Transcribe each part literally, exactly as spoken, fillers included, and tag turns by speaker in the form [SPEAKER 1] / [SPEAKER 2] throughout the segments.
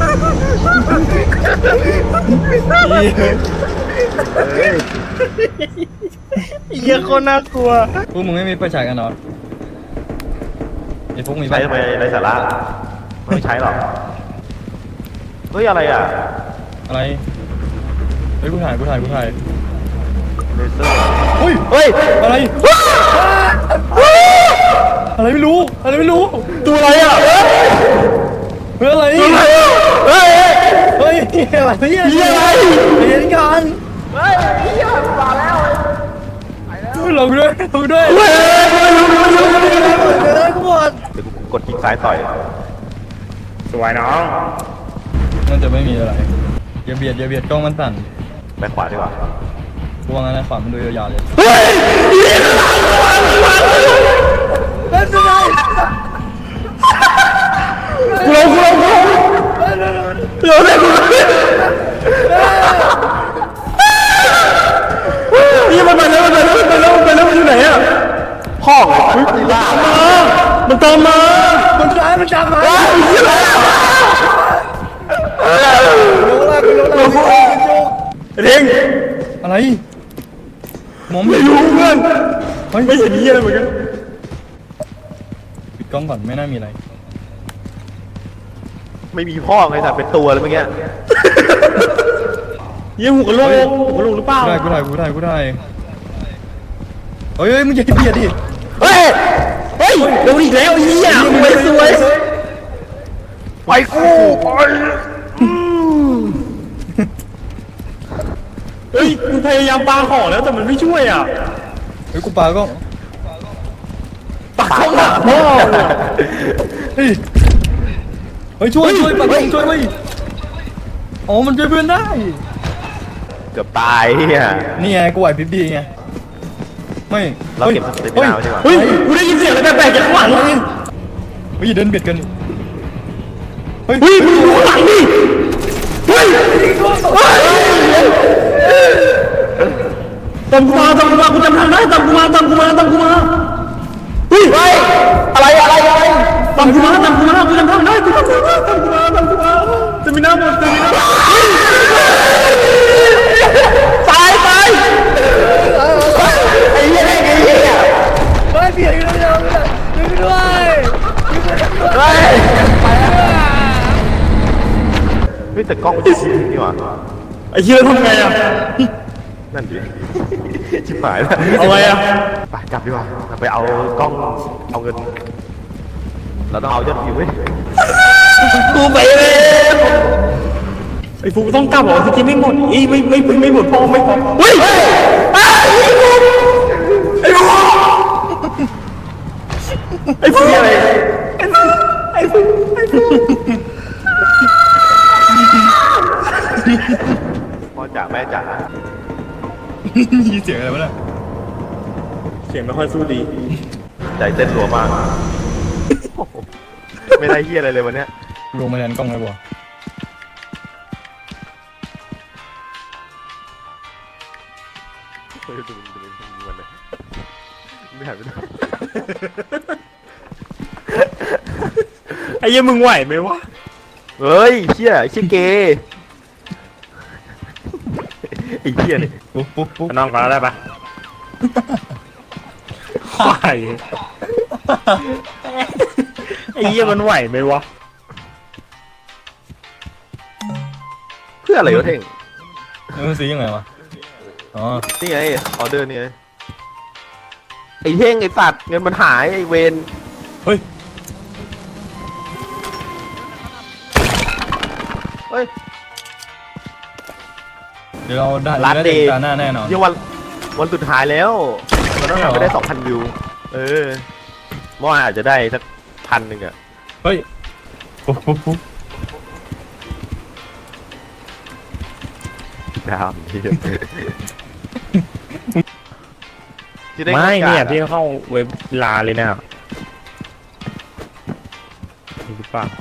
[SPEAKER 1] เหี้ยคนน่ากลัว
[SPEAKER 2] พวกมึงไม่มีไฟฉายกันเหรอไอ้พวกมี
[SPEAKER 3] ใช้ทำไมไรสาระไม่ใช้หรอกเฮ้ยอะไรอ่ะ
[SPEAKER 2] อะไรเฮ้ยกูถ่ายกูถ่ายกูถ่าย
[SPEAKER 3] เลเซอร์
[SPEAKER 2] เฮ้ย
[SPEAKER 3] เฮ้ย
[SPEAKER 2] อะไรอะไรไม่รู้อะไรไม่รู้
[SPEAKER 3] ตัวอะไรอ่ะ
[SPEAKER 2] เฮ้ยอะไร
[SPEAKER 3] ตัวอะไรอ่ะเฮ้ย
[SPEAKER 2] เฮ้ยอะไรเนี่ย
[SPEAKER 3] เหี้ยอะไร
[SPEAKER 2] เห็นกัน
[SPEAKER 3] เฮ้ยเฮียมาแล้ว
[SPEAKER 2] ลงด้วยลงด้วย
[SPEAKER 3] เฮ้ยไม่รู้ไม่รู้ไม่รู้
[SPEAKER 2] เฮ้ยกูหมด
[SPEAKER 3] เดี๋ยวกูกดคลิกซ้ายต่อย
[SPEAKER 1] สวยน้อง
[SPEAKER 2] มันจะไม่มีอะไรอย่าเบียดอย่าเบียดกล้องมันสั่น
[SPEAKER 3] ไปขวาดีกว่า
[SPEAKER 2] กูว่างั้นนะขวามันดูยาวๆเลย
[SPEAKER 3] เฮ้ย
[SPEAKER 2] เฮ้ยเป็นไง
[SPEAKER 3] กูลงกูลงกูลงเดี๋ยวเดี๋ยวกูลง
[SPEAKER 1] มันตามมา
[SPEAKER 2] มันตายมันตามมา
[SPEAKER 1] เร่ง
[SPEAKER 2] อะไรมอง
[SPEAKER 1] ไม่
[SPEAKER 2] ไม่
[SPEAKER 1] รู้เพื่อน
[SPEAKER 2] เฮ้ย
[SPEAKER 1] ไม่เห็นเหี้ยอะไรเหมือนกัน
[SPEAKER 2] ปิดกล้องก่อนไม่น่ามีอะไร
[SPEAKER 3] ไม่มีพ่อไงแต่เป็นตัวเลยเมื่อกี้
[SPEAKER 1] เหี้ยหัวกะโหลกหัวกะโหลกหรือเปล่า
[SPEAKER 2] กูได้กูได้กูได้กูได้เฮ้ยเฮ้ยมึงอย่าเบียดดิ
[SPEAKER 1] เฮ้ยเฮ้ยโดนอีกแล้วไอ้เหี้ยสวยสวย
[SPEAKER 3] ไปกูไป
[SPEAKER 1] เฮ้ยกูพยายามปาของแล้วแต่มันไม่ช่วยอ่ะ
[SPEAKER 2] เฮ้ยกูปาก็
[SPEAKER 1] ปาของหนักพ่อ
[SPEAKER 2] เฮ้ยเฮ้ยช่วยช่วยปาช่วยเว้ยอ๋อมันช่วยเพื่อนได้
[SPEAKER 3] เกือบตายเฮีย
[SPEAKER 2] นี่ไงกูไหวพริบดีไงไม่
[SPEAKER 3] เราเก็บสเตมินาไว้ดีกว่า
[SPEAKER 1] เฮ้ยกูได้ยินเสียงอะไรแปลกๆจากข้างหลัง
[SPEAKER 2] เฮ้ยเฮ้ยเดินเบียดกันเฮ้ย
[SPEAKER 1] เฮ้ยมึงดูข้างหลังดิเฮ้ยตามกูมาตามกูมากูจำทางได้ตามกูมาตามกูมาตามกูมาเฮ้ย
[SPEAKER 3] อะไรอะไรอะไร
[SPEAKER 1] ตามกูมาตามกูมากูจำทางได้กูจำทางได้ตามกูมาตามกูมาจะมีหน้าหมดจะมีหน้า
[SPEAKER 3] ตายตายไอ้เหี้ยไอ้เหี้ย
[SPEAKER 2] เฮ้ยเบียดกันแล้วช่วยด้วย
[SPEAKER 3] เฮ้ยเฮ้ยแต่กล้องมันชิบนี่หว่า
[SPEAKER 1] ไอ้เหี้ยทำไงอ่ะ
[SPEAKER 3] นั่นดิชิบหายแล้ว
[SPEAKER 1] เอาไงอ่ะ
[SPEAKER 3] ไปกลับดีกว่าไปเอากล้องเอาเงินเราต้องเอายอดวิวเว้ย
[SPEAKER 1] กูไปเลยไอ้ฟูต้องกลับเหรอที่กินไม่หมดอีไม่ไม่ไม่หมดพอไม่พอเฮ้ยไอ้ฟูไอ้ฟูอะไรไอ้ฟูไอ้ฟู
[SPEAKER 3] พ่อจ๋าแม่จ๋า
[SPEAKER 2] มีเสียงอะไรวะเนี่ย
[SPEAKER 1] เสียงไม่ค่อยสู้ดี
[SPEAKER 3] ใจเต้นรัวมากไม่ได้เหี้ยอะไรเลยวันเนี้ย
[SPEAKER 2] ลงมาแทนกล้องเลยบ่
[SPEAKER 3] เฮ้ยดูดูดูดูมันเลยไม่หันไปดู
[SPEAKER 1] ไอ้เหี้ยมึงไหวไหมวะ
[SPEAKER 3] เฮ้ยเชี่ยเชี่ยเกย์ไอ้เชี่ยนี่
[SPEAKER 2] ปุ๊บปุ๊บปุ๊บ
[SPEAKER 1] น้องก็ได้ปะไหวไอ้เหี้ยมันไหวไหมวะ
[SPEAKER 3] เพื่ออะไรวะเท่ง
[SPEAKER 2] แล้วมันซื้อยังไงวะอ๋อ
[SPEAKER 3] นี่ไงออเดอร์นี่ไงไอ้เท่งไอ้สัตว์เงินมันหายไอ้เวน
[SPEAKER 2] เฮ้ย
[SPEAKER 3] เฮ้ย
[SPEAKER 2] เดี๋ยวเราได้
[SPEAKER 3] ร้าน
[SPEAKER 2] ได้
[SPEAKER 3] เดย์
[SPEAKER 2] ตาหน้าแน่นอน
[SPEAKER 3] ยังวันวันสุดท้ายแล้วมันต้องทำไปได้สองพันวิวเออเมื่อวานอาจจะได้สักพันหนึ่งอะ
[SPEAKER 2] เฮ้ยปุ๊บปุ๊บปุ๊บ
[SPEAKER 3] ดาวที่ที่ได้
[SPEAKER 1] ไม่เนี่ยพี่
[SPEAKER 3] พี่
[SPEAKER 1] เข้าเว็บลาเลยนะนี่หรือเปล่า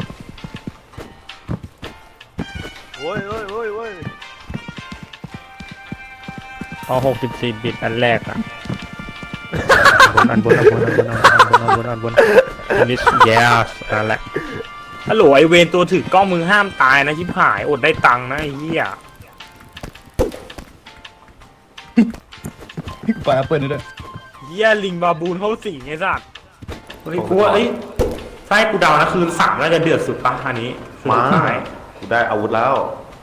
[SPEAKER 3] โอ้ยโอ้ยโอ้ยโอ้ย
[SPEAKER 1] เอาหกสิบสี่บิตอันแรกอ่ะอันบนอันบนอันบนอันบนอันบนอันบนอันนี้ yes นั่นแหละฮัลโหลไอเวนตัวถือกล้องมึงห้ามตายนะชิบหายอดได้ตังค์นะไอ้เหี้ย
[SPEAKER 2] พี่กูปล่อยแอปเปิลนี่ด้วย
[SPEAKER 1] เหี้ยลิงบาบูนเข้าสิงไอ้สัตว์เฮ้ยกูว่าเอ้ยใช่กูเดานะคืนสามน่าจะเดือดสุดปะอันนี้คืน
[SPEAKER 3] มา
[SPEAKER 1] สุดท้าย
[SPEAKER 3] กูได้อาวุธแล้ว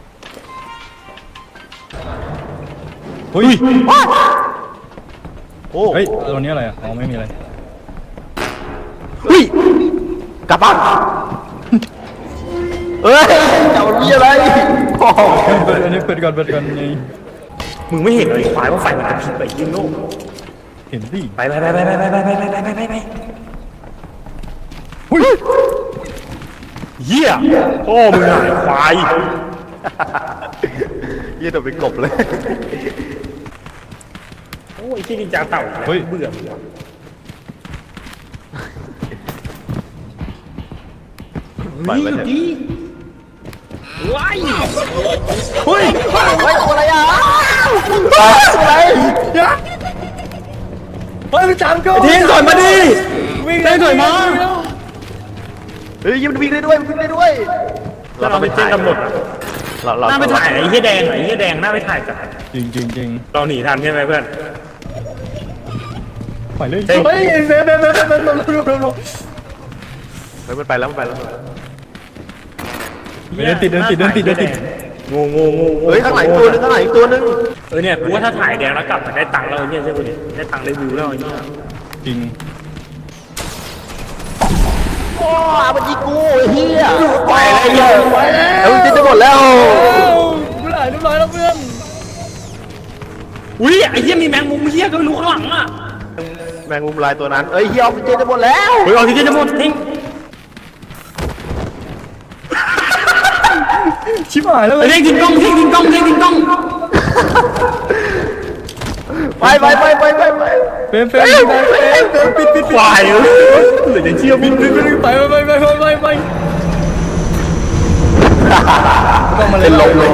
[SPEAKER 2] เฮ้ย
[SPEAKER 3] โอ้
[SPEAKER 2] เฮ้ยตัวนี้อะไรอ่ะอ๋อไม่มีอะไร
[SPEAKER 3] เฮ้ยกลับบ้านเอ้ยจะมันมีอะไรโอ้โห
[SPEAKER 2] เปิดอันนี้เปิดก่อนเปิดก่อนไง
[SPEAKER 1] มึงไม่เห็นเลยควายว่าไฟมันกระพริบไปยิงโลก
[SPEAKER 2] เห็นดิ
[SPEAKER 1] ไปไปไปไปไปไปไปไปไปไปไปไป
[SPEAKER 2] หุ้ย
[SPEAKER 1] เหี้ยพ่อมึงหายควาย
[SPEAKER 3] ยี่ตัวเป็นกบเลย
[SPEAKER 1] โอ้ยที่นินจาเต่าเฮ้ยเบื่อเบื่อ
[SPEAKER 3] ปล่อยไว้เถอะ
[SPEAKER 1] ดีว้าย
[SPEAKER 2] เฮ้ย
[SPEAKER 3] เฮ้ยตัวอะไรอ่ะอะไร
[SPEAKER 2] เฮ้ยมันจามกู
[SPEAKER 1] ทิ้งก่อนมาดิ
[SPEAKER 2] วิวิ่ง
[SPEAKER 1] ได้ถอยมา
[SPEAKER 3] เฮ้ยมันวิ่งได้ด้วยมันวิ่งได้ด้วย
[SPEAKER 1] เราต้องไปเจนกำหนดอะ
[SPEAKER 3] เราเรา
[SPEAKER 1] หน้าไปถ่ายไอ้เหี้ยแดงไอ้เหี้ยแดงหน้าไปถ่ายกัน
[SPEAKER 2] จริงจริงจริง
[SPEAKER 1] เราหนีทันใช่ไหมเพื่อน
[SPEAKER 2] ปล่อยเลย
[SPEAKER 1] เฮ้ย
[SPEAKER 2] เฮ้ยเบนเบนเบนเบนเบนเบนเบนเบน
[SPEAKER 3] เฮ้ยมันไปแล้วมันไปแล้ว
[SPEAKER 2] เดินติดเดินติดเดินติดเดินติด
[SPEAKER 1] งูงูงู
[SPEAKER 3] เฮ้ยข้างหลังอีกตัวนึงข้างหลังอีกตัวนึง
[SPEAKER 1] เออเนี่ยกูว่าถ้าถ่ายแดงแล้วกลับมาได้ตังค์แล้วไอ้เนี่ยใช่ไหมเนี่ยได้ตังค์ได้วิวแล้วไอ้เนี่ย
[SPEAKER 2] จริง
[SPEAKER 3] โอ้มันยิงกูไอ้เหี้ย
[SPEAKER 2] ไปแล้ว
[SPEAKER 3] ไปแล้วเฮ้ยจะหมดแล้ว
[SPEAKER 2] กูหลายเรียบร้อยแล้วเพื่อน
[SPEAKER 1] อุ้ยไอ้เหี้ยมีแมงมุมเหี้ยก็ไม่รู้ข้างหลังอ่ะ
[SPEAKER 3] แมงมุมลายตัวนั้นเอ้ยเหี้ยออกซิเจนจะหมดแล้ว
[SPEAKER 1] เฮ้ยเอาที่จะหมดทิ้ง
[SPEAKER 2] ชิบหายแล้ว
[SPEAKER 1] ไอ้
[SPEAKER 2] เว้ย
[SPEAKER 1] เด้งทิ้งกล้องทิ้งทิ้งกล้องทิ้งทิ้งกล้อง
[SPEAKER 3] ไปไปไปไปไปไป
[SPEAKER 2] เฟรมเฟรมเฟรมเฟรมเฟรมปิดปิด
[SPEAKER 1] ควายเลยเหลือจะเชื่อ
[SPEAKER 2] ปิ
[SPEAKER 1] มึ
[SPEAKER 2] ด
[SPEAKER 1] ง
[SPEAKER 2] ปิดปิดไปไปไปไปไปไปต้องมาเล่นลมเลย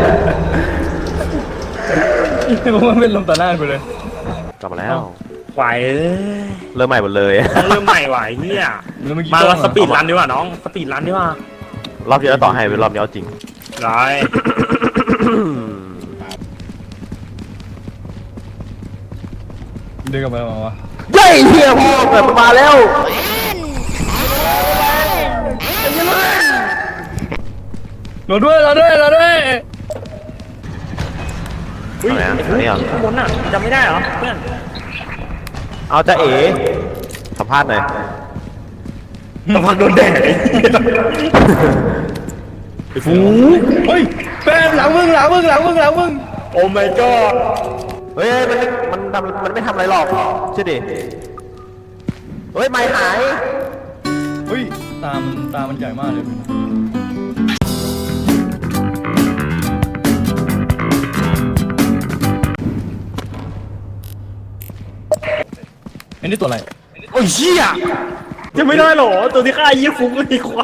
[SPEAKER 2] ผมว่าเป็นลมตาหน้าไปเลย
[SPEAKER 3] กลับมาแล้ว
[SPEAKER 1] ควายเอ้ย
[SPEAKER 3] เริ่มใหม่หมดเลย
[SPEAKER 1] ต้องเริ่มใหม่ว่ะไอ้เหี้ย
[SPEAKER 2] แล้วเมื่อกี้
[SPEAKER 1] มาเราสปีดรันดีกว่าน้องสปีดรันดีกว่าร
[SPEAKER 3] อบที่แล้วต่อให้เป็นรอบนี้เอาจริง
[SPEAKER 1] ร้าย
[SPEAKER 2] เดินกลับไปมาวะ
[SPEAKER 3] เย้เฮียพ่อแบบมาแล้ว
[SPEAKER 2] เราด้วยเราด้วยเราด้วย
[SPEAKER 1] เฮ้ย
[SPEAKER 3] ไหนอ่ะ
[SPEAKER 1] ไอ้
[SPEAKER 3] อันนี้เหรอ
[SPEAKER 1] ข้างบนน่ะจำไม่ได้เหรอเพื่อน
[SPEAKER 3] เอาจะเอ๋สัมภาษณ์หน่อย
[SPEAKER 1] กำลังโดนแดดไอ้เหี้ย
[SPEAKER 2] ไอ้ฟูเฮ้ยแฟนหลังมึงหลังมึงหลังมึงหลังมึง
[SPEAKER 1] โอ้ my god
[SPEAKER 3] เฮ้ยมันมันทำมันไม่ทำอะไรหรอกเชื่อดิเฮ้ยไม่หาย
[SPEAKER 2] เฮ้ยตามันตามันใหญ่มากเลยไอ้นี่ตัวอะไร
[SPEAKER 1] โอ้ยเหี้ยจะไม่ได้เหรอตัวที่ฆ่าไอ้เหี้ยฟุกเลยควาย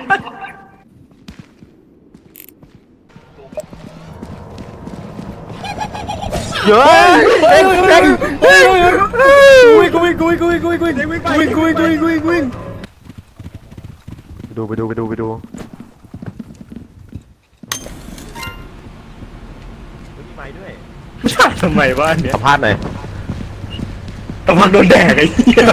[SPEAKER 3] เยอะ
[SPEAKER 2] เฮ้ย
[SPEAKER 3] เฮ้ย
[SPEAKER 2] เฮ้ย
[SPEAKER 3] เฮ้
[SPEAKER 2] เฮ้
[SPEAKER 3] ย
[SPEAKER 2] ยกูวิ่งกูวิ่งกูวิ่งกูวิ่งกูวิ่งกูวิ่งกูวิ่งกูวิ่งกูวิ่งกูวิ่งกูวิ่ง
[SPEAKER 3] ดูไปดูไปดูไปดู มีไม้ด้วย
[SPEAKER 1] ใช่ทำไมวะเนี่ย
[SPEAKER 3] สัมภาษณ์หน่อย
[SPEAKER 1] กำลังโดนแดดไอ้เหี้ย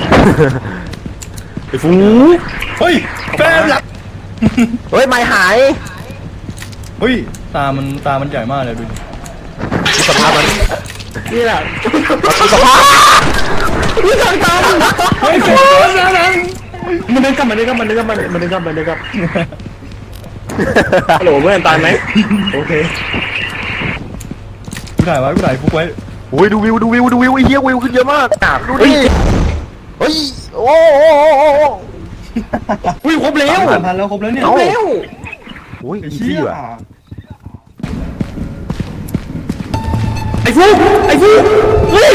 [SPEAKER 1] ไอ้ฟุก
[SPEAKER 2] เฮ้ยแฟนหลัง
[SPEAKER 3] เฮ้ยไม่หาย
[SPEAKER 2] เฮ้ยตามันตามันใหญ่มากเลยดู
[SPEAKER 3] ดูสภาพมัน
[SPEAKER 1] นี่แหละ
[SPEAKER 3] ดูสภาพ
[SPEAKER 2] เฮ้ยแฟนหลังหลัง
[SPEAKER 1] มันเดินกลับมันเดินกลับมันเดินกลับมันเดินกลับมันเดินกลับฮัลโหลเพื่อนตายไหมโอเค
[SPEAKER 2] กูถ่ายไว้กูถ่ายฟุกไว้
[SPEAKER 3] โอ้ยดูวิวดูวิวดูวิวไอ้เหี้ยวิวขึ้นเยอะมากดูดิเฮ้ยโอ้โห
[SPEAKER 1] อุ้ยครบแล้ว
[SPEAKER 2] สามพันแล้วครบแล้วเนี่ย
[SPEAKER 1] ครบแล้ว
[SPEAKER 3] โอ้ย
[SPEAKER 2] ไอ้
[SPEAKER 3] อี
[SPEAKER 2] เชี่
[SPEAKER 3] ซี่
[SPEAKER 2] ย
[SPEAKER 3] ว่ะ
[SPEAKER 1] ไอ้ฟุกไอ้ฟุกเฮ้ย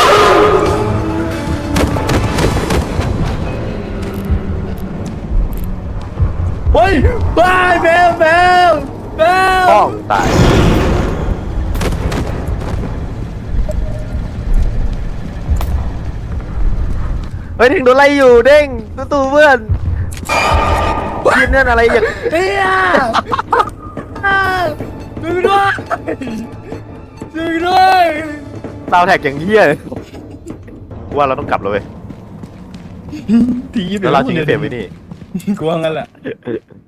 [SPEAKER 2] เฮ้ยบายแมวแมวแมว
[SPEAKER 3] ป้องตายเฮ้ยเด้งโดนไล่อยู่เด้งตู้ตู้เพื่อนทีมนั่นอะไรอย่าง
[SPEAKER 2] เฮียช่วยด้วยช่วยด้วย
[SPEAKER 3] ดาวแท็กอย่างเหี้ยกูว่าเราต้องกลับแล้วเว้ย
[SPEAKER 2] ที
[SPEAKER 3] แล้วเราจริงเปลี่ยนไปนี่
[SPEAKER 2] กูว่างั้นแหละ
[SPEAKER 3] เออ